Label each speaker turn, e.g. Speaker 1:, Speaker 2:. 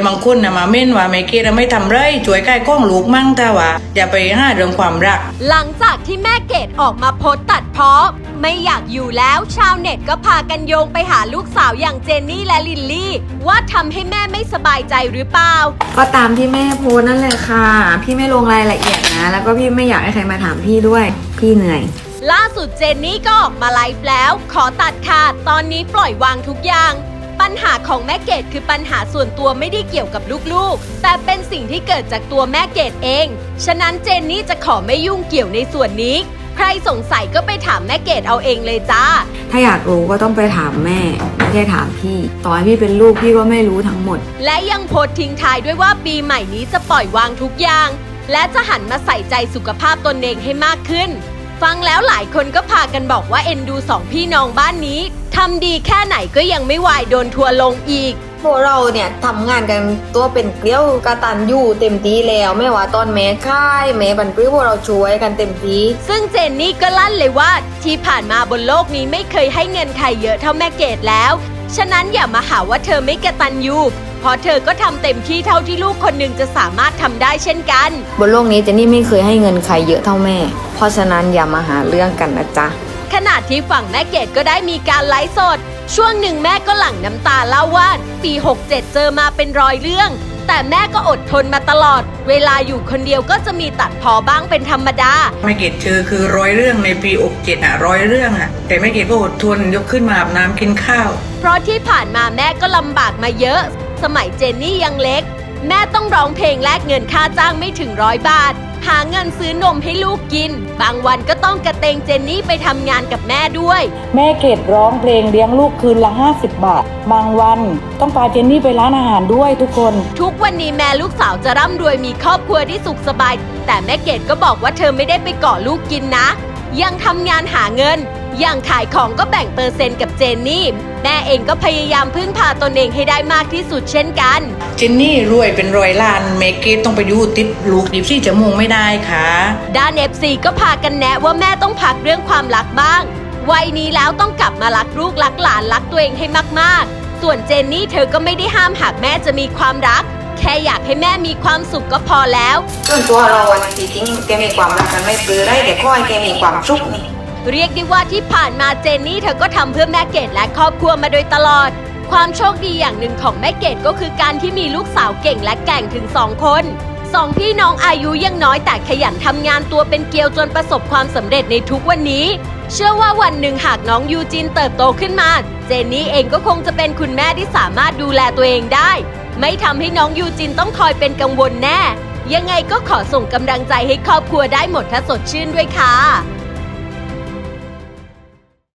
Speaker 1: บางคนนะมาเม่นว่าไม่เกดไม่ทำไรช่วยใกล้ก้องลูกมั่งแต่ว่าอย่าไปห้าเรื่องความรัก
Speaker 2: หลังจากที่แม่เกดออกมาโพสต์ตัดพ้อไม่อยากอยู่แล้วชาวเน็ตก็พากันโยงไปหาลูกสาวอย่างเจนนี่และลิลลี่ว่าทำให้แม่ไม่สบายใจหรือเปล่า
Speaker 3: ก็ตามที่แม่โพสต์นั่นแหละค่ะพี่ไม่ลงรายละเอียดนะแล้วก็พี่ไม่อยากให้ใครมาถามพี่ด้วยพี่เหนื่อย
Speaker 2: ล่าสุดเจนนี่ก็ออกมาไลฟ์แล้วขอตัดขาดตอนนี้ปล่อยวางทุกอย่างปัญหาของแม่เกดคือปัญหาส่วนตัวไม่ได้เกี่ยวกับลูกๆแต่เป็นสิ่งที่เกิดจากตัวแม่เกดเองฉะนั้นเจนนี่จะขอไม่ยุ่งเกี่ยวในส่วนนี้ใครสงสัยก็ไปถามแม่เกดเอาเองเลยจ้า
Speaker 3: ถ้าอยากรู้ก็ต้องไปถามแม่ไม่ใช่ถามพี่ต่อให้พี่เป็นลูกพี่ก็ไม่รู้ทั้งหมด
Speaker 2: และยังโพสต์ทิ้งท้ายด้วยว่าปีใหม่นี้จะปล่อยวางทุกอย่างและจะหันมาใส่ใจสุขภาพตนเองให้มากขึ้นฟังแล้วหลายคนก็พากันบอกว่าเอ็นดูสองพี่น้องบ้านนี้ทำดีแค่ไหนก็ยังไม่วายโดนทัวลงอีก
Speaker 4: พวกเราเนี่ยทำงานกันตัวเป็นเกลียวกระตันอยู่เต็มที่แล้วไม่ว่าตอนแม่ค่ายแม่บันปลื้มพวกเราช่วยกันเต็มที่
Speaker 2: ซึ่งเจนนี่ก็ลั่นเลยว่าที่ผ่านมาบนโลกนี้ไม่เคยให้เงินใครเยอะเท่าแม่เกดแล้วฉะนั้นอย่ามาหาว่าเธอไม่กตัญญูเพราะเธอก็ทำเต็มที่เท่าที่ลูกคนหนึ่งจะสามารถทำได้เช่นกัน
Speaker 4: บนโลกนี้เจนนี่ไม่เคยให้เงินใครเยอะเท่าแม่เพราะฉะนั้นอย่ามาหาเรื่องกันนะจ๊ะ
Speaker 2: ขณะที่ฝั่งแม่เกดก็ได้มีการไลฟ์สดช่วงหนึ่งแม่ก็หลั่งน้ำตาเล่าว่าปี67เจอมาเป็น100เรื่องแต่แม่ก็อดทนมาตลอดเวลาอยู่คนเดียวก็จะมีตัดพ้อบ้างเป็นธรรมดา
Speaker 1: แม่เกดเจอคือ100เรื่องในปี67100เรื่องแต่แม่เกดก็อดทนยกขึ้นมาอาบน้ำกินข้าว
Speaker 2: เพราะที่ผ่านมาแม่ก็ลำบากมาเยอะสมัยเจนนี่ยังเล็กแม่ต้องร้องเพลงแลกเงินค่าจ้างไม่ถึง100 บาทหาเงินซื้อนมให้ลูกกินบางวันก็ต้องกระเตงเจนนี่ไปทำงานกับแม่ด้วย
Speaker 5: แม่เกดร้องเพลงเลี้ยงลูกคืนละ50 บาทบางวันต้องพาเจนนี่ไปร้านอาหารด้วยทุกคน
Speaker 2: ทุกวันนี้แม่ลูกสาวจะร่ำรวยมีครอบครัวที่สุขสบายแต่แม่เกดก็บอกว่าเธอไม่ได้ไปเกาะลูกกินนะยังทำงานหาเงินอย่างขายของก็แบ่งเปอร์เซ็นต์กับเจนนี่แม่เองก็พยายามพึ่งพาตนเองให้ได้มากที่สุดเช่นกัน
Speaker 1: เจนนี่รวยเป็น100 ล้านเมเกตต้องไปอยู่ติดลูก24 ชั่วโมงไม่ได้ค่ะ
Speaker 2: ด้าน FC ก็พากันแนะว่าแม่ต้องพักเรื่องความรักบ้างวัยนี้แล้วต้องกลับมารักลูกรักหลานรักตัวเองให้มากๆส่วนเจนนี่เธอก็ไม่ได้ห้ามหากแม่จะมีความรักแค่อยากให้แม่มีความสุขก็พอแล้ว
Speaker 4: ส่วนตัวเราวันที่จริงแกมีความรักกันไม่ปลื้มได้แต่ขอให้แกมีความสุขนี่
Speaker 2: เรียกได้ว่าที่ผ่านมาเจนนี่เธอก็ทำเพื่อแม่เกดและครอบครัวมาโดยตลอดความโชคดีอย่างหนึ่งของแม่เกดก็คือการที่มีลูกสาวเก่งและแกร่งถึง2 คน2 พี่น้องอายุยังน้อยแต่ขยันทำงานตัวเป็นเกลียวจนประสบความสำเร็จในทุกวันนี้เชื่อว่าวันหนึ่งหากน้องยูจินเติบโตขึ้นมาเจนนี่เองก็คงจะเป็นคุณแม่ที่สามารถดูแลตัวเองได้ไม่ทำให้น้องยูจินต้องคอยเป็นกังวลแน่ยังไงก็ขอส่งกำลังใจให้ครอบครัวได้หมดถ้าสดชื่นด้วยค่ะ